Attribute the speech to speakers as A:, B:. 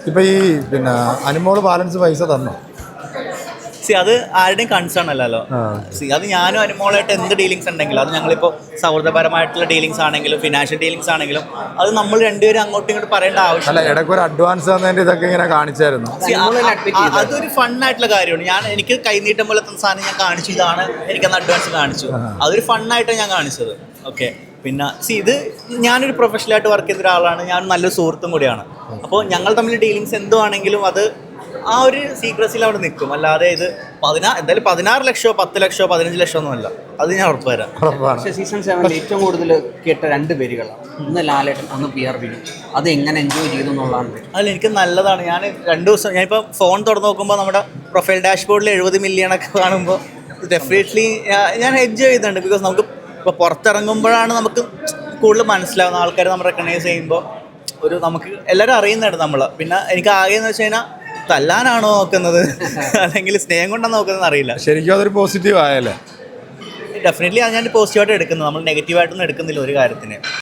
A: ഇപ്പം ഈ പിന്നെ അനുമോള് ബാലൻസ് പൈസ തന്നോ?
B: അത് ആരുടെയും കൺസേൺ അല്ലല്ലോ. അത് ഞാനും അനുമോളായിട്ട് എന്ത് ഡീലിങ്സ് ഉണ്ടെങ്കിലും, അത് ഞങ്ങളിപ്പോൾ സൗഹൃദപരമായിട്ടുള്ള ഡീലിങ്സ് ആണെങ്കിലും ഫിനാൻഷ്യൽ ഡീലിങ്സ് ആണെങ്കിലും, അത് നമ്മൾ രണ്ടുപേരും അങ്ങോട്ടും ഇങ്ങോട്ട് പറയേണ്ട ആവശ്യമില്ല.
A: ഇടയ്ക്ക് ഒരു അഡ്വാൻസ് തന്നതിൻ്റെ ഇതൊക്കെ ഇങ്ങനെ കാണിച്ചായിരുന്നു.
B: അതൊരു ഫണ്ണായിട്ടുള്ള കാര്യമാണ്. എനിക്ക് കൈനീട്ടം പോലെ തന്ന സാധനം ഞാൻ കാണിച്ചു, ഇതാണ് എനിക്കന്ന് അഡ്വാൻസ് കാണിച്ചു. അതൊരു ഫണ്ണായിട്ടാണ് ഞാൻ കാണിച്ചത്. ഓക്കെ, പിന്നെ ഇത് ഞാനൊരു പ്രൊഫഷണലായിട്ട് വർക്ക് ചെയ്ത ഒരാളാണ്, ഞാൻ നല്ലൊരു സുഹൃത്തും കൂടിയാണ്. അപ്പോൾ ഞങ്ങൾ തമ്മിൽ ഡീലിങ്സ് എന്തോ ആണെങ്കിലും അത് ആ ഒരു സീക്രസിൽ അവിടെ നിൽക്കും. അല്ലാതെ ഇത് എന്തായാലും 16 ലക്ഷമോ 10 ലക്ഷമോ 15 ലക്ഷമോ ഒന്നുമല്ല, അത് ഞാൻ ഉറപ്പ് തരാം.
C: പക്ഷേ സീസൺ 7 ഏറ്റവും കൂടുതൽ കേട്ട 2 പേരുകളാണ്, ഒന്ന് ലാലേട്ടൻ, ഒന്ന് PR വിനു. അത് എങ്ങനെ എൻജോയ് ചെയ്തു എന്നുള്ളതാണ്.
B: അതിൽ എനിക്ക് നല്ലതാണ്. ഞാൻ 2 ദിവസം ഞാനിപ്പോൾ ഫോൺ തുറന്ന് നോക്കുമ്പോൾ നമ്മുടെ പ്രൊഫൈൽ ഡാഷ്ബോർഡിൽ 70 മില്യണൊക്കെ കാണുമ്പോൾ ഡെഫിനറ്റ്ലി ഞാൻ എൻജോയ് ചെയ്യുന്നുണ്ട്. ബിക്കോസ് നമുക്ക് ഇപ്പോൾ പുറത്തിറങ്ങുമ്പോഴാണ് നമുക്ക് കൂടുതൽ മനസ്സിലാവുന്ന ആൾക്കാർ നമ്മൾ റെക്കഗ്നൈസ് ചെയ്യുമ്പോൾ നമുക്ക് എല്ലാവരും അറിയുന്നുണ്ട് നമ്മൾ. പിന്നെ എനിക്ക് ആകെയെന്ന് വെച്ച് കഴിഞ്ഞാൽ തല്ലാനാണോ നോക്കുന്നത് അല്ലെങ്കിൽ സ്നേഹം കൊണ്ടാണ് നോക്കുന്നത് അറിയില്ല.
A: ശരിക്കും അതൊരു പോസിറ്റീവ് ആയല്ലേ?
B: ഡെഫിനറ്റ്ലി അത് ഞാൻ പോസിറ്റീവായിട്ട് എടുക്കുന്നത്. നമ്മൾ നെഗറ്റീവായിട്ടൊന്നും എടുക്കുന്നില്ല ഒരു കാര്യത്തിന്.